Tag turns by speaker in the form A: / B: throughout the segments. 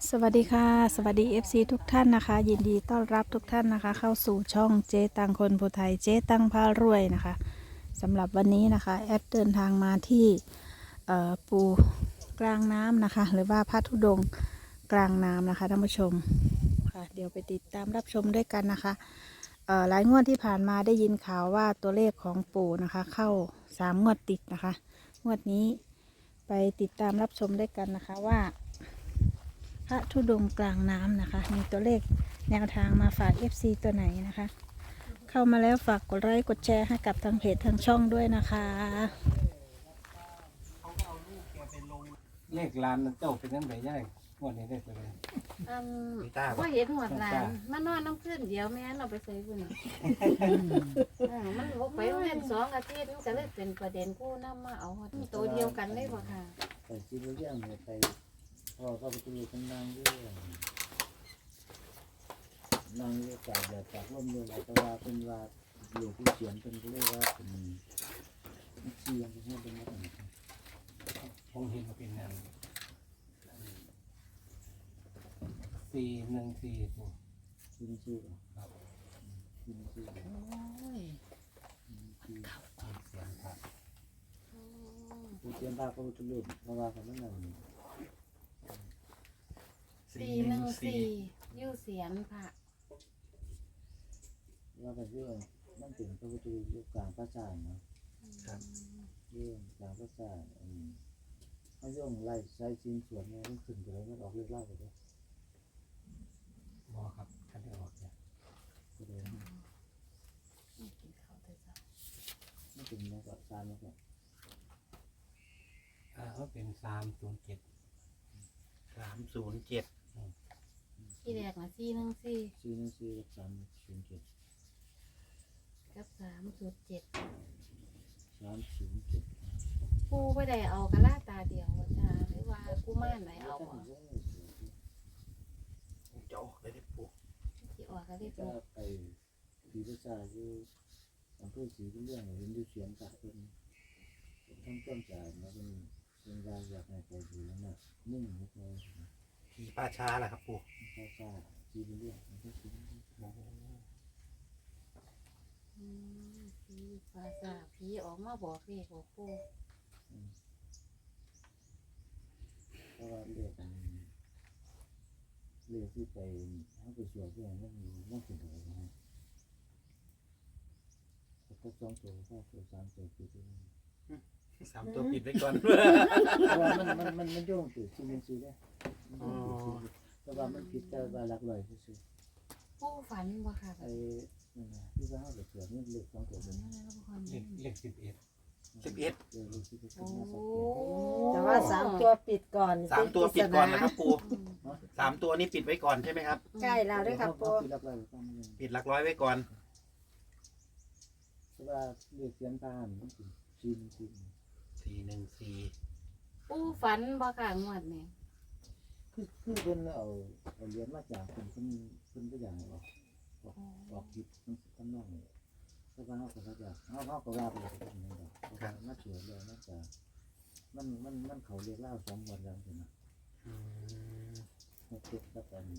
A: สวัสดีค่ะสวัสดี FC ทุกท่านนะคะยินดีต้อนรับทุกท่านนะคะเข้าสู่ช่องเจ๊ตังคนภูไทยเจ๊ตังพารวยนะคะสำหรับวันนี้นะคะแอดเดินทางมาที่ปูกลางน้ำนะคะหรือว่าพระธุดงค์กลางน้ำนะคะท่านผู้ชมค่ะเดี๋ยวไปติดตามรับชมด้วยกันนะคะหลายงวดที่ผ่านมาได้ยินข่าวว่าตัวเลขของปู่นะคะเข้า3 งวดติดนะคะงวดนี้ไปติดตามรับชมด้วยกันนะคะว่าพระธุดงค์กลางน้ำนะคะมีตัวเลขแนวทางมาฝาก FC ตัวไหนนะคะ เข้ามาแล้วฝากกดไลค์กดแชร์ให้กับทางเพจทางช่องด้วยนะคะ
B: เลขร้านนั้นเจ้าเป็นยังไงย่ายงวดนี้ได้ตัวเลย
C: อืม
B: มีตาบ่
C: ว่าเห็นหัวหลานมานอนน้ำขึ้นเดี๋ยวแม่นเราไปใส่บุญมันบอกไปโรงเรียน2 อาทิตย์มันก็เลยเป็นประเด็นกู้นำมาเอาตัวเดียวกันเลยบ่ค่ะ
D: ไปซื้อเรื่องเนี่ยไปพ่อก็ไปดูคนนั่งด้วยนั่งด้วยจากแบบจากร่มเรืออะไรแต่ว่าเป็นว่าอยู่ที่เขียนเป็นเรียกว่าเป็นเชียงเป็นให้เป็นอะไร
B: ผมเห็นว่าเป็นงาน414ตัว
D: ชื่อชื่อ
B: ครับ
D: ชื่อชื่อ
C: โอ้ย
D: ชื่อ
B: เสียงพระ
D: ผู้เขียนภาพก็จะลืมเพราะว่าเขาไม่นั่ง
C: 414อยู่เสียนพระ
D: ว่าเป็นเรื่องมันถึงพระพุทธรูปกลางพระจานเนาะ
B: ครับ
D: เรื่องกลางพระจานเขาย่องไล่ใช้ชิ้นส่วนเนี่ยมันขึ้นไปแล้วมันออกเรียกเล่าไปเลย
B: บอครับท่านได้ออกเนี่ย
D: ก็เลย
C: กินข้าวแต่เช้า
D: ไม่ถึงแม้กับการแล้วก็
B: เขาเป็น307
C: ที่แรกน่ะ414
D: ซีนั่นซีกับ307
C: กับ307
D: 307
C: ปู่บ่ได้เอากะลาตาเดียวว่าจ้าหรือว่ากุมารไหนเอาบ่
B: จะออกได้ได้ปุ๊
C: สิออกก็ได้
D: ก็
C: ปู่
D: ไปผีประชาอยู่อำเภอศรีบุญเรื่องเห็นอยู่เสียงกะเป็นทั้งต้นจ่ายนะเป็นรายอยากให้ไปดูแล้วนะนิ่งนิดหน่อย
B: ผีป่าช้าแหละครับปู่
D: พระชาศรีบุญเรื่องอำเภอศรีบุญเรื่อง
C: ผีภาษาผีออกมาบอกเลขบอกปู่
D: เพราะว่าเรียกที่ไปให้ไปสวดที่ไหนนั่นถึงอะไรนะก็2 ตัวก็ตัว3 ตัวคือที่
B: 3 ตัวปิดไว้ก่อน
D: เพราะว่ามันโยงติดซีเมนซีได้แต่ว่ามันผิดแต่ว่าหลักร้อยซื่อ
C: ปู่ฝันบ่ค่ะ
D: ไอ้ที่ว่าเขาเสือนี่เล็ก2 ตัวเป็น
B: เลข11
D: เล็กที่เป็น
C: โอ้
E: แต่ว่า3 ตัวปิดก่อน
F: 3 ตัวปิดก่อนนะครับปู3 ตัวนี้ปิดไว้ก่อนใช่ไหมครับ
E: ใกล้แล้วด้วยครับปู
D: คือหลักร้อยต้อง
F: ปิดหลักร้อยไว้ก่อน
D: แต่ว่าเล็กเสียงตามันคือซีน
F: 414
C: ปู่ฝันบ่ค่ะงวดนี้
D: คือเพิ่นเอาเหรียญมาจากเพิ่นก็อย่างออกผิดมันน้องแต่ว่าเขาก็จะเขาก็ว่าไปเลยเป็นยังไงมาเฉื่อยเลยน่าจะมันเขาเรียกเล่า2 วันแล้วใช่ไหม
F: อืม
D: มันติดกับมัน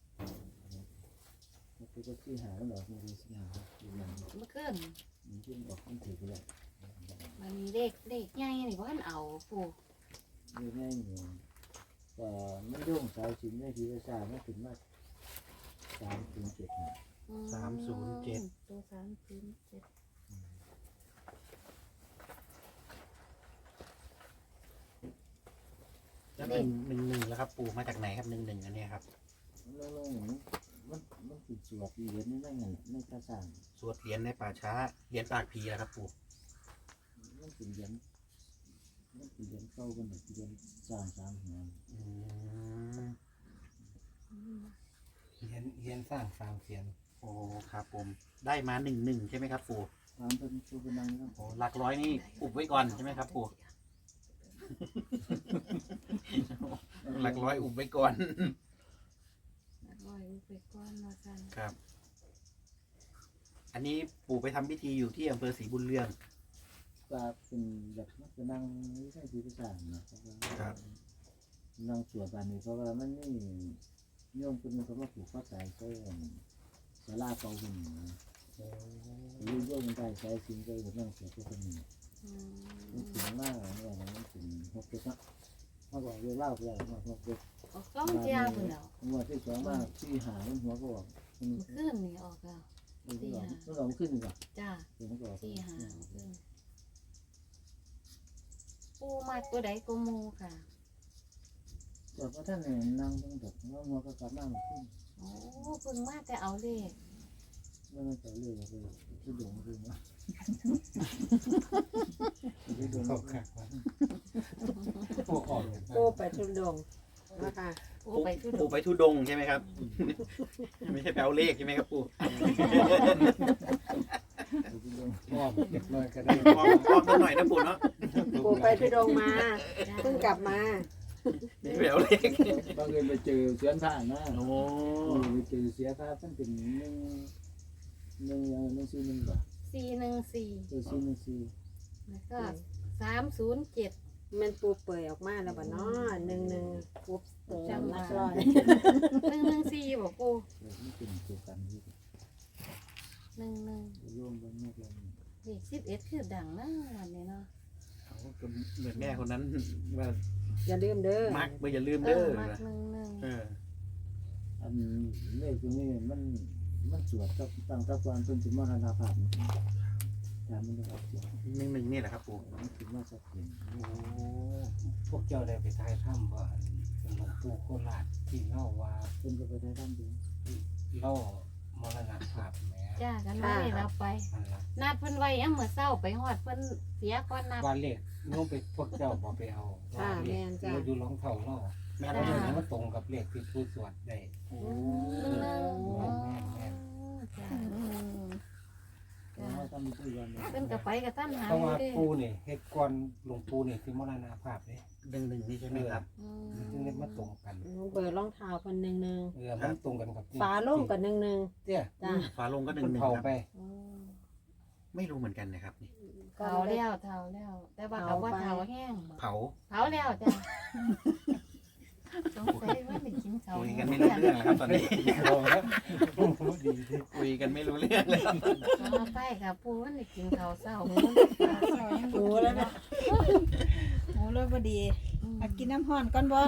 D: ติดกับที่หาแล้วเหรอมันมีที่หาอยู่อย่าง
C: เมื่อคืน
D: ที่ออกมันถือไปเลย
C: มันมีเลขใหญ่นี่บ่ทันเอาปู่
D: อยู่ในนี่แต่มันโยงสายสินในที่ภาษาไม่ถึงมา3 ถึง 7นะ
F: 307
C: ตัว307
F: แล้ว11แล้วครับปูมาจากไหนครับ11อันเนี้ยครับ
D: แล้วมันติดสวดเหรียญนี่นั่นไงในภาษา
F: สวดเหรียญในป่าช้าเหรียญปากผีแล้วครับปู
D: มันเป็นเหรียญเข้ากันแบบเหรียญ3 หัว
F: อืม
B: เฮียนสร้าง3 เสียน
F: โอ้ครับผมได้มา11ใช่ไหมครับปู
D: ถามเป็นชูเป็นนางนะ
F: โอ้หลักร้อยนี่อุบไว้ก่อนใช่ไหมครับปูหลักร้อยอุบไว้ก่อน
C: ร้อยไปก่อนว่าซั่น
F: ครับ อันนี้ปู่ไปทำพิธีอยู่ที่อำเภอศรีบุญเรือง
D: ก็เป็นแบบเป็นนางไม่ใช่ที่ภาษานะครับนั่งสวดบ้านนี้เพราะว่ามันนี่โยมคนนึงเขามาผูกข้อสายใส่สลาเก่าหุ่นยืนโยมได้ใช้สิ่งใดผมนั่งสวดก็คนนี้มันถึงมากเนี่ยมันถึง6 เดือนเขาบอกเรื่องเล่าเพื่อนมา6 เดือน
C: ออกต้องเจียพุ่นแล้ว
D: งวดที่2มาที่หาหัวก็บอกมัน
C: ขึ้นนี่ออกแล้ว
D: มันลองขึ้นก่อน
C: จ้า
D: มันก็
C: ที่หาขึ้นปูมากตัวใดก็มูค่ะ
D: ส่วนพระท่านเนี่ยนั่งตั้งแต่ว่าหัวก็กลับมาขึ้น
C: โอ้เพิ่งมาแต่เอาเลข
D: ไม่ต้องไปเรื่อยเลยที่ดงคือว่าที่ดง
B: เข้าขักว่าพวกออกเนี่ย
E: ปูไปทุดงค์นะคะ
C: ปูไปทุด
F: ปู่
C: ง
F: ไปทุดงค์ใช่ไหมครับ ไม่ใช่แปลเลขใช่ไหมครับปู่
D: ที่ดง
B: อ้อมเด็กน้อยก็ได้
F: พร้อมสักหน่อยนะปู่เนาะ
E: ปูไปทุดงค์มาเพิ่งกลับมา
F: ไม่ใช่แปลเลข
D: บางทีไปเจอเสียนผ้านะ
F: โอ้
D: ไปเจอเสียผ้าท่านเป็น1 4 1 บาท
C: 414
D: 4
C: แล้วก็307
E: มันปูเปื่อยออกมาแล้วบ่เนาะ11ปุ๊บเติมนักร้อย
C: 114บ่ปู
D: มันเป็นตัวกันที่
C: 11
D: โยมบางแม่เรา
C: เลข11คือดังนะวันนี้เนาะ
F: เขาก็เหมือนแม่คนนั้นว่า
E: อย่าลืมเด้อ
F: มักไม่อย่าลืม
C: เอ
F: เด้อ
C: อมัก
F: นะ
C: 11
F: เออ
D: อันเลขตัวนี้มันสวดกับตั้งตะวันเพิ่นสิมรณภาพแต่มันได้ออกเสียง
F: 1นี่แหละครับปู่
D: มันคิดว่าสักเพียง
F: โอ้
B: พวกเจ้าได้ไปทายถ้ำว่าเป็นหลวงปู่โคราชที่เล่าว่า
D: เพิ่นก็ไปได้ด้านเดียว
B: เล่ามรณภาพแหม่
C: จ้ากันไม่ได้รับไป
B: มันละ
C: นัดเพิ่นไว้ยังมื้อเช้าไปฮอดเพิ่นเสียก่อนนัด
B: ว่าเลขโน้มไปพวกเจ้าบ่ไปเอาว่าเลขเราดูรองเท้าเรา
F: แม่
B: เพ
F: เรา
B: ราะ
F: เล
B: ฉะ
F: ย
B: นั้นมันตรงกับเลขที่ผู้สวดได้
F: โอ้
B: แม่น
C: จ้า
D: เพราะว่าต้องมีผู้ยัน
C: เพิ่นก็ไปกับท่านหา
B: เพราะว่า
C: เด้
B: ปู่นี่เฮ็ดก่อนหลวงปู่นี่ที่มรณภาพเด้
F: 1นี่ใช่ไหมครับ
C: อืม
B: จึงได้มาตรงกัน
E: เปิดรองเท้าคน11
B: มันตรงกันกับ
E: ฝาโล่งกับ11
B: เตี้ย
E: จ้า
F: ฟ้าลงก็
B: มัน
F: 1
B: เผา
F: ครับ
B: ไป
C: อืม
F: ไม่รู้เหมือนกันนะครับนี่
C: เผาแล้วแต่ว่าเขาว่าเผาแห้งบ่
F: เผา
C: เผาแล้วจ้าสงสัยว่าได้กินเขา
F: คุยกันไม่รู้เรื่องแล้วครับตอนนี้
B: เอาแล้วดีที่
F: คุยกันไม่รู้เรื่องเลย
C: มาใกล้กับปูว่าได้กินเขาวเช้าหมู
E: ปูแล้วนะ
A: โอ้เลยพอดีมากินน้ำห้อนก่อนบ่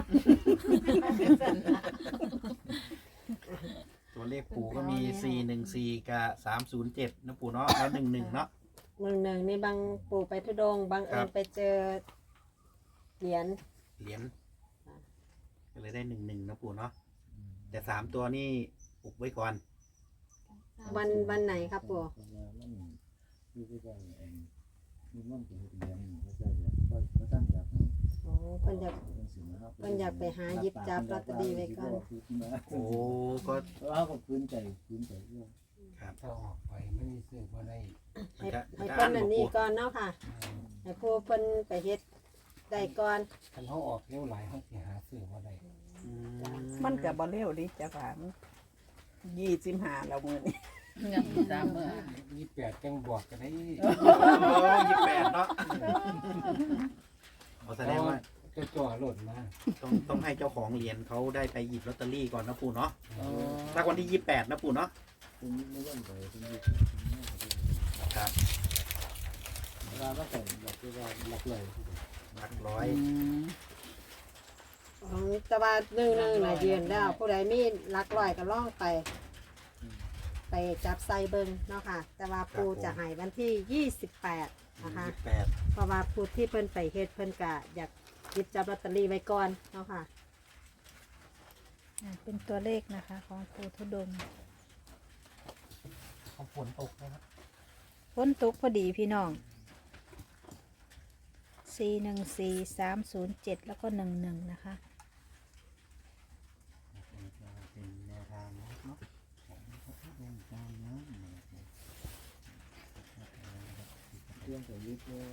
F: ตัวเลขปู่ก็มี414กับ307นะปู่เนาะแล้ว11เนาะ
E: 11นี่บางปูไปทุดงค์บางเอิ
F: ครั
E: ญ
F: บ
E: ไปเจอเหรียญ
F: เหรียญก็เลยได้11นะปู่เนาะแต่3ตัวนี่อุบไว้ก่อน
E: วันไหนครับปู
D: มันคือไปได้มีมันเป็นเรียนเขาจะก็ตั้งจาก
E: โอ้เพิ่นอยากไปหาหยิบจับลอตเตอรี่ไว้ก่อน
F: โอ้ก็
D: เอาก็พื้นใจด้วย
F: ครับ
B: ถ้าออกไปไม่มีซื้อบ่ได้
F: มันจะ
E: ให้เพิ่นอันนี้ก่อนเนาะค่ะ ให้ผู้เพิ่นไปเฮ็ดได้ก่อน
B: คันเขาออกเร็วหลายเขาสิหาซื้อบ่ได้
F: อืม
G: มันก็บ่เร็วดิจ้ะค่ะมัน25แล้วมื้อนี้
B: 28จังบอกกันได้
F: โอ้28เนาะเอาแสดงว่า
B: จะจ่อหล่นมา
F: ต้องให้เจ้าของเหรียญเขาได้ไปหยิบลอตเตอรี่ก่อนนะปู่เนาะถ้าวันที่28นะปู่เนาะ
D: เป็นไม่ต้องไปเป็นยี่
F: ครับ
D: เวลาก็แต่หลักว่าหลักเลย
F: หลักร้อย
E: ของแต่ว่า11น่ะยืนแล้ว ผู้ใดมีหลักร้อยก็ลองไปจับใส่เบิ่งเนาะค่ะ แต่ว่าปูจะให้วันที่28นะคะ
F: 28
E: เพราะว่าผู้ที่เพิ่นไปเฮ็ดเพิ่นก็อยากหยิบจับลอตเตอรี่ไว้ก่อนเนาะค่ะ
A: เป็นตัวเลขนะคะ ของปู่ทุดงค์
B: เขาฝนตกนะครับ
A: ฝนตกพอดีพี่น้อง414 307แล้วก็11นะคะ
F: เป็นแนวทางเนาะ
D: เรื่องของยึดเนี่ย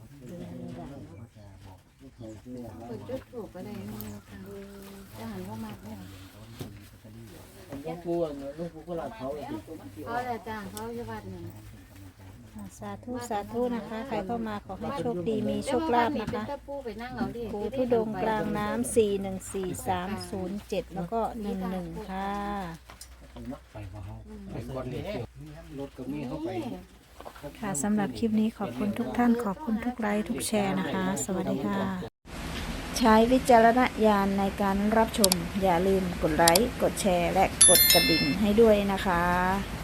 D: เขาเชื่อ
C: เปิดจุดถูกก็ได้มั้งค่ะจะหันว่ามากเนี่ย
D: ลูกปูก็หลักเขา
C: เขาแหละจ้าเขาอยู่วัดหนึ่ง
A: อ๋อสาธุสาธุนะคะ ใครเข้ามาขอให้โชคดีมีโชคลาภนะคะ
C: แต่ปูไปนั่งเอาดิ
A: ปูทุดงค์กลางน้ำ414307 แล้วก็11ค่ะ
B: ไปบ่เฮาไปก่อนเลยรถก็มีเข้าไป
A: ค่ะสำหรับคลิปนี้ขอบคุณทุกท่านขอบคุณทุกไลค์ทุกแชร์นะคะ สวัสดีค่ะ ใช้วิจารณญาณในการรับชม อย่าลืมกดไลค์กดแชร์และกดกระดิ่งให้ด้วยนะคะ